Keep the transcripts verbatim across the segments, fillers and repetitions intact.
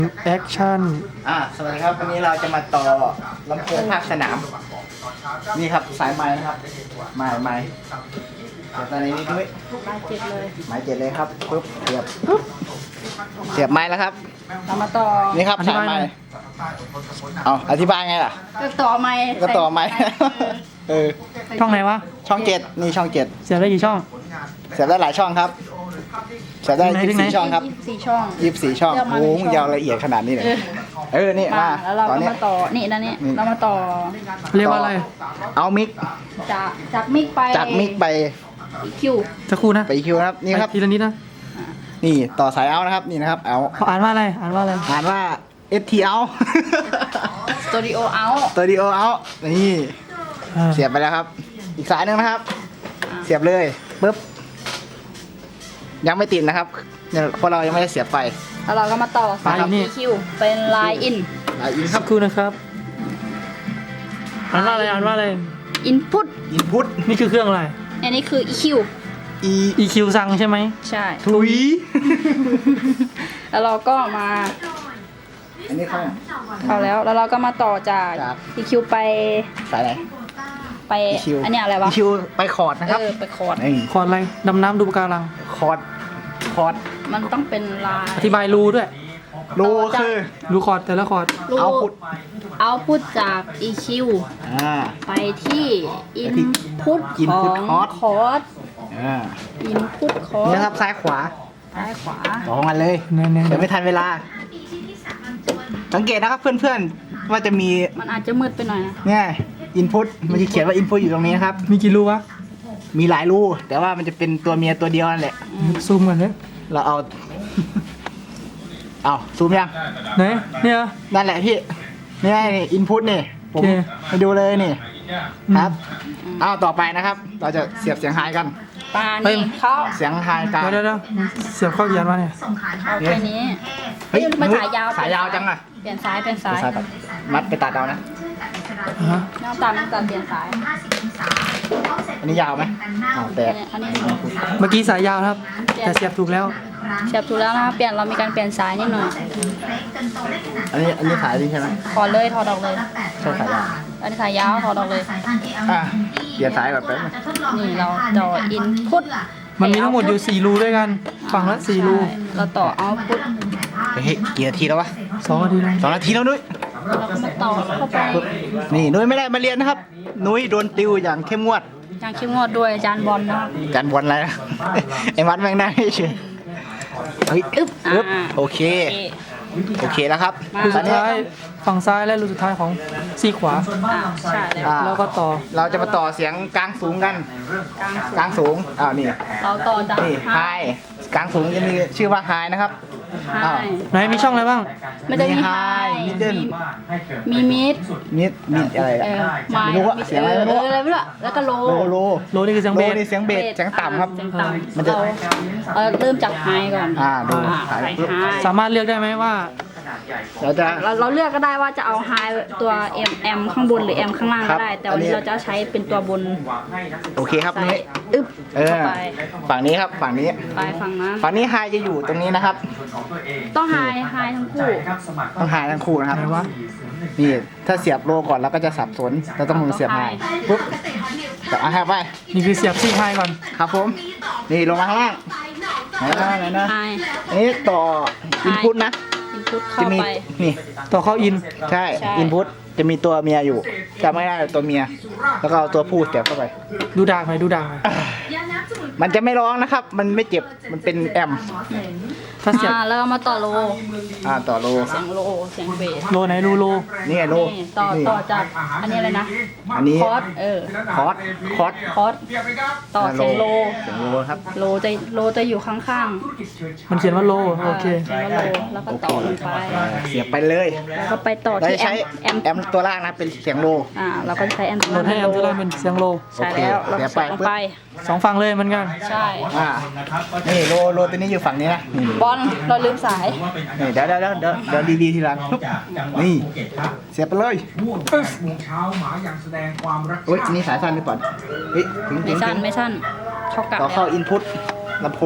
แอคชั่นอ่าสวัสดีครับวันนี้เราจะมาต่อลำโพงภาคสนามนี่ครับสายไม้นะครับไม้ไม้เสียบตอนนี้นี่ด้วยไม้เจ็ดเลยไม้เจ็ดเลยครับปุ๊บเสียบปุ๊บเสียบไม้แล้วครับเรามาต่อนี่ครับสายไม้เอาอธิบายไงล่ะก็ต่อไม้ก็ต่อไม้เออช่องไหนวะช่องเจ็ดนี่ช่องเจ็ดเสียบได้กี่ช่องเสียบได้หลายช่องครับเสียบได้ถึยี่งไหนสิบสี่ช่องครับยี่สิบสี่ช่องยี่สิบสี่ช่องเลือกมาโอ้หนึ่โหงช่องยาวละเอียดขนาดนี้เลยเออนี่มามาแล้วเราตอนก็นี้มาต่อนี่นะนี่นี่เรามาต่อเรียกว่าอะไรเอามิกจากจากมิกไปจากมิกไปคิวจะครู่นะไปคิวนะครับนี่ครับไปทีละนิดนะนี่ต่อสายเอานะครับนี่นะครับเอาเขาอ่านว่าอะไรอ่านว่าอะไรอ่านว่า เอส ที เอาสตูดิโอเอาสตูดิโอเอานี่อ่าเสียบไปแล้วครับ อีกสายหนึ่งนะครับ เสียบเลยปึ๊บยังไม่ติดนะครับเนี่ยเพราะเรายังไม่ได้เสียบไฟแล้วเราก็มาต่อสายคิวเป็นไลน์อินอ่ะอินคสัรับกครู่นะครับอ่านว่าอะไรอ่านว่าอะไรอินพุตอินพุตนี่คือเครื่องอะไรอันนี้คือ อี คิวอีอี คิว สั่งใช่ไหมใช่ทุยแล้วเราก็มาอันนี้เข้าเข้าแล้วแล้วเราก็มาต่อจากจากอี คิว ไปสายไหนไปอี คิวอันเนี้ยอะไรวะอีคิวไปคอร์ดนะครับเออไปคอร์ดนี่คอร์ดอะไรดำน้ำดูปะการังคอร์ดคอร์ดมันต้องเป็นลายอธิบายรูด้วยรูคือรูคอร์ดแต่ละคอร์ดรูเอาพุทเอาพุทจาก อี คิวอ่าไปที่ อินที่พุต input ของ cost คอร์สอ่าอินพุตคอร์นี่สนะครับซ้ายขวาซ้ายขวาต่อกันเลยเนี่ยเนี่ยเดี๋ยวไม่ทันเวลา สังเกตนะครับเพื่อนๆว่าจะมีมันอาจจะมืดไปหน่อยนะเนี่ยอินพุตมันจะเขียนว่าอินพุตอยู่ตรงนี้นะครับมีกี่รูวะมีหลายรูแต่ว่ามันจะเป็นตัวเมียตัวเดียวนั่นแหละซูมกันเลยเราเอา เอาซูมยังไหนเนี่ยนั่นแหละพี่นี่นี่อินพุตนี่ผมโอเคไปดูเลยนี่อืมครับเอาต่อไปนะครับ เราจะเสียบเสียงไฮกันปลาเฮ้ยนี่เข้าเสียงไฮกลางเดี๋ยวเดี๋ยวเสียบเข้าเขียนมาเนี่ยเอาแค่นี้เฮ้ยมันสายยาวสายยาวจังอะเปลี่ยนสายเปลี่ยนสายสายตัดมัดไปตัดเอานะอ่าฮะน้ำตาลน้ำตาลเปลี่ยนสายอันนี้ยาวไหมอ้าวแตกอันนี้อันนี้เมื่อกี้สายยาวนะครับ แต่เสียบถูกแล้วเสียบถูกแล้วนะคะเปลี่ยนเรามีการเปลี่ยนสายนิดหน่อยอันนี้อันนี้ขายดีใช่ไหมถอดเลยถอดออกเลยใช่ขายยาวอันนี้สายยาวถอดออกเลยอ่ะเปลี่ยนสายแบบไปบนึงนี่เราต่ออินพุตมันมีทั้งหมดอยู่สี่รูด้วยกัน ฝั่งละสี่รูเราต่อเอาพุตเฮ้ยกี่นาทีแล้ววะสองนาทีนะสองนาทีแล้วนุ้ยเราก็มาต่อเข้าไปนี่นุ้ยไม่ได้มาเรียนนะครับ นุ้ยโดนติวอย่างเข้มงวดอย่างเข้มงวดด้วยอาจารย์บอลนะครับการบอลอะไรนะ ไอ้มัดแม่งได้เฉยเฮ้ยอึ๊บอึ๊บอ่าโอเคโอเคโอเคแล้วครับมารูตอสุนดนี้ท้ายฝั่งซ้ายและรูสุดท้ายของซี่ขวาอ่าใช่เลยอ่าแล้วก็ต่อเราจะมาต่อเสียงกลางสูงกันกลางกลางสูงอ้าวนี่เราต่อจากนี่ไฮกลางสูงจะมีชื่อว่าไฮนะครับไฮอ้าวไหนมีช่องอะไรบ้างไม่ได้มีไฮมิดเดิลมีมิดมิดมิดอะไรเออะอไมไม่รู้อะเสียงอะไรไม่รู้เอออะไรไม่รู้อะแล้วก็โลโลโลโลนี่คือเสียงโลเบสนี่เสียงเบสเสียงต่ำครับเสียงต่ำมันจะเราเออเริ่มจากไฮก่อนอ่าดูอ่าสายใส่ปุ๊บไฮสามารถเลือกได้ไหมว่าเราจะเราเราเลือกก็ได้ว่าจะเอาไฮตัว M M ข้างบนหรือ M ข้างล่างครัก็บได้ แต่วันนี้อันนี้เราจะใช้เป็นตัวบนโอเคครับใส่นี่อึ๊บเออเข้าไปฝั่งนี้ครับฝั่งนี้ไปฝั่งนั้นฝั่งนี้ไฮจะอยู่ตรงนี้นะครับต้องไฮไฮทั้งคู่ต้องไฮทั้งคู่นะครับไหนวะนี่ถ้าเสียบโลก่อนเราก็จะสับสนเราต้องมือเสียบไฮปุ๊บแต่เอาไฮไปนี่คือเสียบซี่ไฮก่อนครับผม นี่ลงมาข้างล่างไหนนะไหนนะไฮอันนี้ต่ออินพุตนะอินพุตจะเข้ามีไปนี่ต่อเข้าอินใช่ใช่อินพุตจะมีตัวเมียอยู่จำไม่ได้ตัวเมีย แล้วก็เอาตัวผู้เสียบเข้าไปดูดากหน่อยดูดากหน่อยมันจะไม่ร้องนะครับ มันไม่เจ็บมันเป็นแอมถ้าเสียบอ่าแล้วเรามาต่อโลอ่าต่อโลเสียงโลเสียงเบสโลไหนรูโลนี่ไงโลนี่ต่อนี่ต่อจากอันนี้อะไรนะอันนี้คอร์สเออคอร์สคอร์สคอร์สต่อเสียงโลเสียงโลครับโลจะโลจะอยู่ข้างมันเขียนว่าโลๆโอเคเขียนว่าโลแล้วก็ต่อลงไปเสียบไปเลยแล้วก็ไปต่อเราที่จะแอใช้มแอมแอมตัวล่างนะเป็นเสียงโลอ่าเราก็จะใช้แอมโหลดให้แอมจะได้เป็นเสียงโลใช่แล้วโอเราเคก็ใส่ลงไปสองฝั่งเลยเหมือนกันใช่อ่านี่โลโลตัวนี้อยู่ฝั่งนี้นะนี่บอลเราลืมสายนี่เดี๋ยวเดี๋ยวเดี๋ยวเดี๋ยวเดี๋ยวดีๆทีหลังปุ๊บนี่เสียบไปเลยม่วงแปดโมงเช้าหมาอย่างแสดงความรักเฮ้ยนี่สายสั้นหรือเปล่าเฮ้ยถึงถึไม่งสั้ถึนงไม่สั้นเท่ากับต่อเข้าอินพุตลำโพง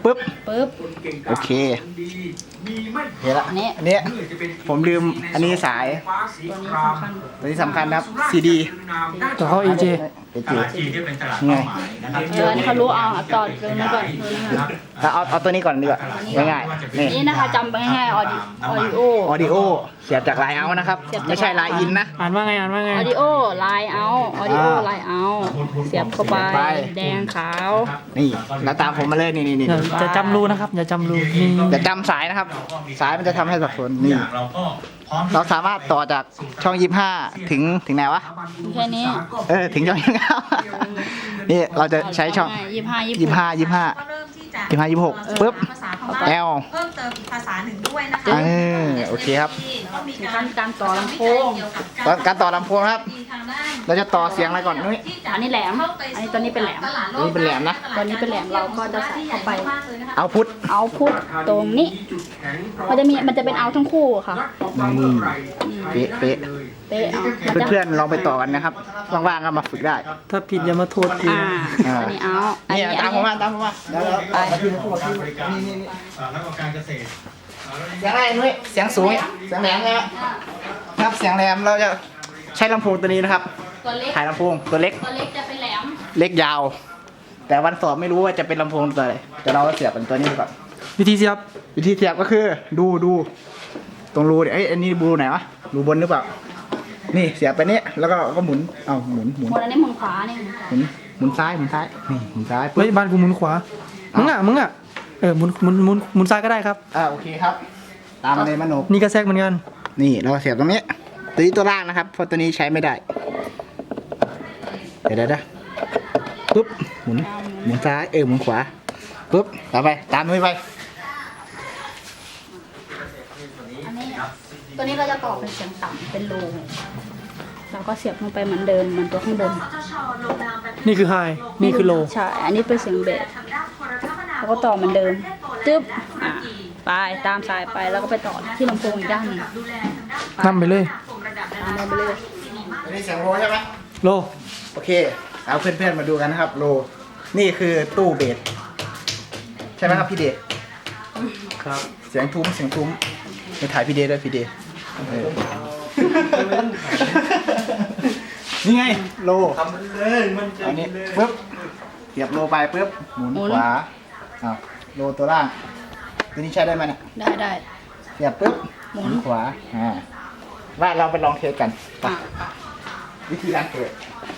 ปึ๊บปึ๊บโอเคเห็นละอันนี้อันนี้ผมลืมอันนี้สายตัวนี้สำคัญตัวนี้สำคัญนะครับ ซี ดีต่อเข้า เอ เจเอเจจีที่เป็นตลาดไงเป้าหมายนะครับเอออันนี้เขารู้เอาเอาต่อตัวนี้ก่อนตัวนี้ก่อนแล้วเอาเอาตัวนี้ก่อนดีกว่าง่ายๆนี่นี่นะคะจำไปง่ายๆออดิออดิโอออดิโอเสียบจากไลน์เอานะครับ ไม่ใช่ไลน์อินนะอ่านว่าไงอ่านว่าไงออดิโอไลน์เอาออดิโออ่าไลน์เอาเสียบเข้าไปไปแดงขาวนี่แล้วตามผมมาเลยนี่นี่นี่อย่าจะจำรูนะครับ อย่าจำรูนี่อย่าจำสายนะครับ สายมันจะทำให้สับสนนี่เราก็พร้อมเราสามารถต่อจากช่องยี่ห้าถึงถึงไหนวะแค่นี้เออถึงช่องยี่ห้านี่เราจะใช้ช่องยี่ห้ายี่ยี่ห้ายี่ห้าก็เริ่มที่จะยี่ห้ายี่หกปึ๊บภาษาพม่าแอลเพิ่มเติมอีกภาษาหนึ่งด้วยนะคะเออโอเคครับก็มีถึงกาขั้รนการต่อลำโพงตอนการต่อลำโพงครับทางด้านเราจะต่อเสียงอะไรก่อนนุ้ยอันนี้แหลมอันนี้ตัวนี้เป็นแหลมอันนี้เป็นแหลมนะตัวนี้เป็นแหลมเราก็จะใส่เข้าไปเอาพุทเอาพุทตรงนี้ มันจะมีมันจะเป็นเอาทั้งคู่ค่ะเป๊ะเป๊ะเป๊ะเอามันจะเพื่อนๆลองไปต่อกันนะครับว่างๆก็มาฝึกได้ถ้าผิดอย่ามาโทษทีอ่าอันนี้เอาอันนี่นี้ตาอัมนผมนี้มาตามผมมาเดี๋ยวเราไปนี่นี่นี่อ่าแล้วก็การเกษตรเสียงอะไรนุ้ยเสียงสูงเสียงแหลมใช่ไหมครับเสียงแหลมเราจะใช้ลำโพงตัวนี้นะครับตัวเล็กถ่ายลำโพงตัวเล็กตัวเล็กจะเป็นแหลมเล็กยาว แต่วันสอบไม่รู้ว่าจะเป็นลำโพงตัวไหนเดี๋ยวเราเสียบเป็นตัวนี้ก่อนวิธีเสียบวิธีเสียบก็คือดูดูตรงรูเนี่ยเอ้ยอันนี้รูไหนวะรูบนหรือเปล่านี่เสียบไปนี้แล้วก็ก็หมุนเอาหมุนหมุนหมดอันนี้หมุนขวานี่หมุนขวาหมุนหมุนซ้ายหมุนซ้ายนี่หมุนซ้ายเฮ้ยปึ๊บบ้านกูหมุนขวา มึงอ่ะ มึงอ่ะ เออหมุนหมุนหมุนหมุนซ้ายก็ได้ครับอ่าโอเคครับ ตามมาเลยมโนนี่ก็แทรกเหมือนกันนี่เราเสียบตรงนี้ตัวนี้ตัวล่างนะครับเพราะตัวนี้ใช้ไม่ได้เดี๋ยวเดี๋ยวเดี๋ยวปุ๊บหมุนหมุนซ้ายเออหมุนขวาปุ๊บต่อไปตามมือไปอันนี้ตัวนี้เราจะต่อเป็นเสียงต่ำเป็นโลเราก็เสียบลงไปเหมือนเดิมเหมือนตัวข้างบนนี่คือไฮ นี่คือโลใช่ อันนี้เป็นเสียงเบสแล้วก็ต่อเหมือนเดิมจึ๊บอ่ะไปตามสายไปแล้วก็ไปต่อที่ลำโพงอีกด้านหนึ่งนำไปเลยตามไปเลยอันนี้เสียงโลใช่ไหมโลโอเคเอาเพื่อนๆมาดูกันนะครับโลนี่คือตู้เบสใช่ไหมครับพี่เดชครับเสียงทุ้มเสียงทุ้มไปถ่ายพี่เดชด้วยพี่เดชเออนี่ไงโลทำเลยมันจะอันนี้ปึ๊บเสียบโลไปปึ๊บหมุนขวาอ้าวโลตัวล่างตัวนี้ใช้ได้ไหมเนี่ยได้ได้เสียบปึ๊บหมุนขวาอ่าว่าเราไปลองเทสกันไปอ่ะวิธีการเปิด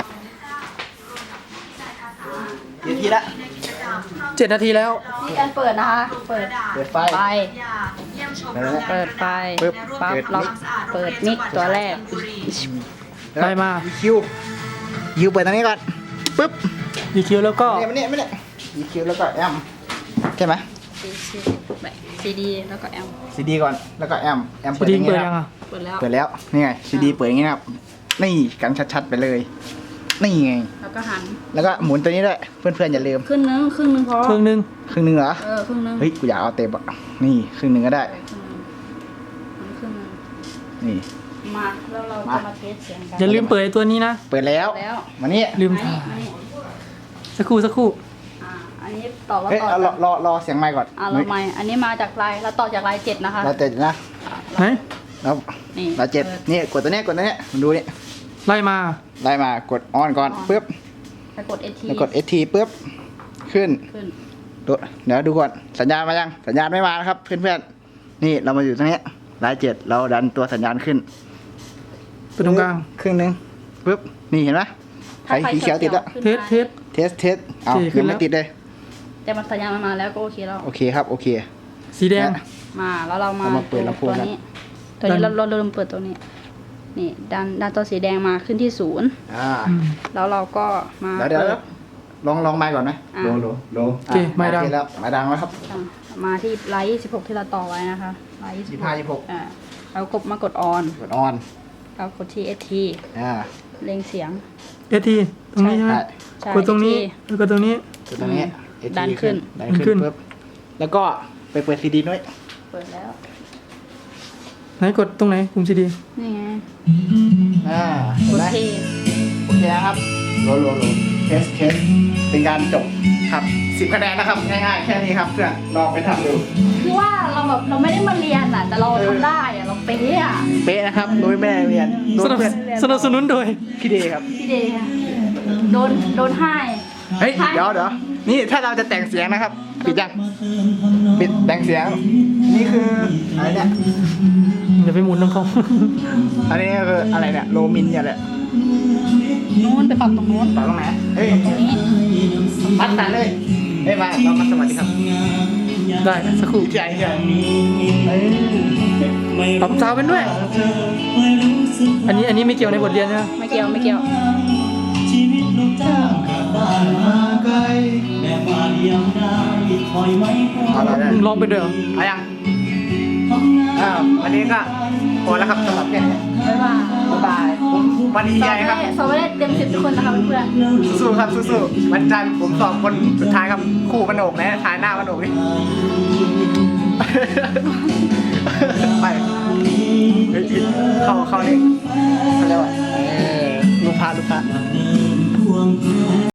วิธีละเจ็ดนาทีแล้วนี่การเปิดนะคะ เปิดเปิดไฟไฟเออเปิดไฟปึ๊บปั๊บเปิดล็อกเปิดมิกตัวแรกไปมาคิวคิวเปิดตรงนี้ก่อนปึ๊บดีคิวแล้วก็เนี่ยมันเนี่ยมันเนี่ยอีคิวแล้วก็แอมใช่ไหมซีดีแล้วก็แอมซีดีก่อนแล้วก็แอมแอมสเปิดดีอย่างเปิงี้ดนะยังอ่ะเปิดแล้วเปิดแล้วนี่ไงซีดีเปิดอย่างงี้นะครับนี่กันชัดๆไปเลยนี่ไงแล้วก็หันแล้วก็หมุนตัวนี้ด้วยเพื่อนๆอย่าลืมครึ่งนึงครึ่งนึงพอเครื่องหนึงครึ่งหนึงเหรอเออครึ่งนึงเฮ้ยกูอยากเอาเต็มอ่ะนี่ครึ่งหนึงก็ได้ครึ่งนึงนี่มาแล้วเราจะมาเทสเสียงกันอย่าลืมเปิดไอ้ตัวนี้นะเปิดแล้วแล้วมานี่ลืมอันถ่านี้ยอันนี้สักครู่สักครู่อ่าอันนี้ต่อว่าเฮ้ยต่อเอารอรอรอเสียงไมค์ก่อนอ่าเราไม่อันนี้มาจากลายเราต่อจากลายเจ็ดนะคะเราเจ็ดนะไหนแล้วนี่เราเจ็ดนี่กดตัวเนี้ยกดตัวเนี้ยมันดูนี่ไล่มาไล่มากดออนก่อนปึ๊บแล้วกด เอ ทีแล้วกด เอส ที ปึ๊บขึ้นขึ้นดูเดี๋ยวดูก่อนสัญญาณมายังสัญญาณไม่มานะครับ เพื่อนๆนี่เรามาอยู่ตรงนี้รายเจ็ดเราดันตัวสัญญาณขึ้นเปิดตรงกลางครึ่งหนึงปึ๊บนี่เห็นไหมไฟสีเขียวติดแล้วเทสเทสเทสเทสเอาโอเคขึ้ยันงแล้วไม่ติดเลยแต่มันสัญญาณมันมาแล้วก็โอเคแล้วโอเคครับโอเคสีแดงนะมาแล้วเรามาเรามาเปิดลำโพงตัวกันนี้ ตัวนี้ดัเรานเราเริ่มเปิดตัวนี้ นี่ดันดันตัวสีแดงมาขึ้นที่ศูนย์อ่าอืมแล้วเราก็มาเดี๋ยวเดี๋ยวเปิเดี๋ยวลองลองไมค์ก่อนไหมอ่ะโลโลโลโอเคไมค์ดังโอแล้วไมค์ดังแล้วครับอ่ะมาที่ไลท์ยี่สิบหกที่เราต่อไว้นะคะไลท์ยี่สิยี่บห้ายี่หกอ่าเรากดมากดออนกดออนเรากดที่ เอส ทีอ่าเล็งเสียงเอทีตรงนี้ใช่ไหมใช่ใช่กดตรงนี้เอสแล้วก็ตรงนี้กดตรงนี้อืมดันขึ้นดันขึ้ขึ้นนปึ๊บแล้วก็ไปเปิดซีดีด้วยเปิดแล้วไหนกดตรงไหนปุ่มซีดีนี่ไงอ่าเห็กนดไหมเทโอเคนะครับโลโลโลเทสเทสเป็นการจบครับซีสิบคะแนนนะครับง่ายๆแค่นี้ครับเพื่อนลองไปทำดูคือว่าเราแบบเราไม่ได้มาเรียนอ่ะแต่เราทำได้อ่ะเราเป๊ะอ่ะเป๊ะนะครับโดยแม่เรียนโดสยนับเพื่อนสนับสนุนโดยพี่เดย์ครับพี่เดย์อะโดนโดนให้เฮ้ยเดี๋ยวเดี๋ยวนี่ถ้าเราจะแต่งเสียงนะครับปิดยังปิดแต่งเสียงนี่คืออะไรเนี่ยเดี๋ยวไปหมุนน้ำเขาอันนี้คืออะไรเนี่ยโลมินเนี่ยแหละนู้นไปปรับตรงนู้นต่อตรงไหนเฮ้ยตรงนี้พัดตันเลยเฮ้ยมาเรามาสวัสดีครับได้สักครู่ใหญ่ใหญ่เฮ้ยปรับซาวด์เป็นด้วย อันนี้อันนี้ไม่เกี่ยวในบทเรียนนะไม่เกี่ยวไม่เกี่ยวเอาละได้มึงร้องไปด้วยเหรอเอายังอ้าววันนี้ก็พอแล้วครับสำหรับแค่นี้บ๊ายบายบ๊ายบายผมวันดีสใจอบครับได้สอบได้เต็มสิบทุกคนนะคะเพื่อนสู้ๆครับสู้ๆวันจันทร์ผมสอบคนสุดท้ายครับคู่กระโหนกนะท้ายหน้ากระโหนกนี่ ไปเฮ้ยเข้าเข้านี่เขาเรียกว่าเออลูกพาลูกพา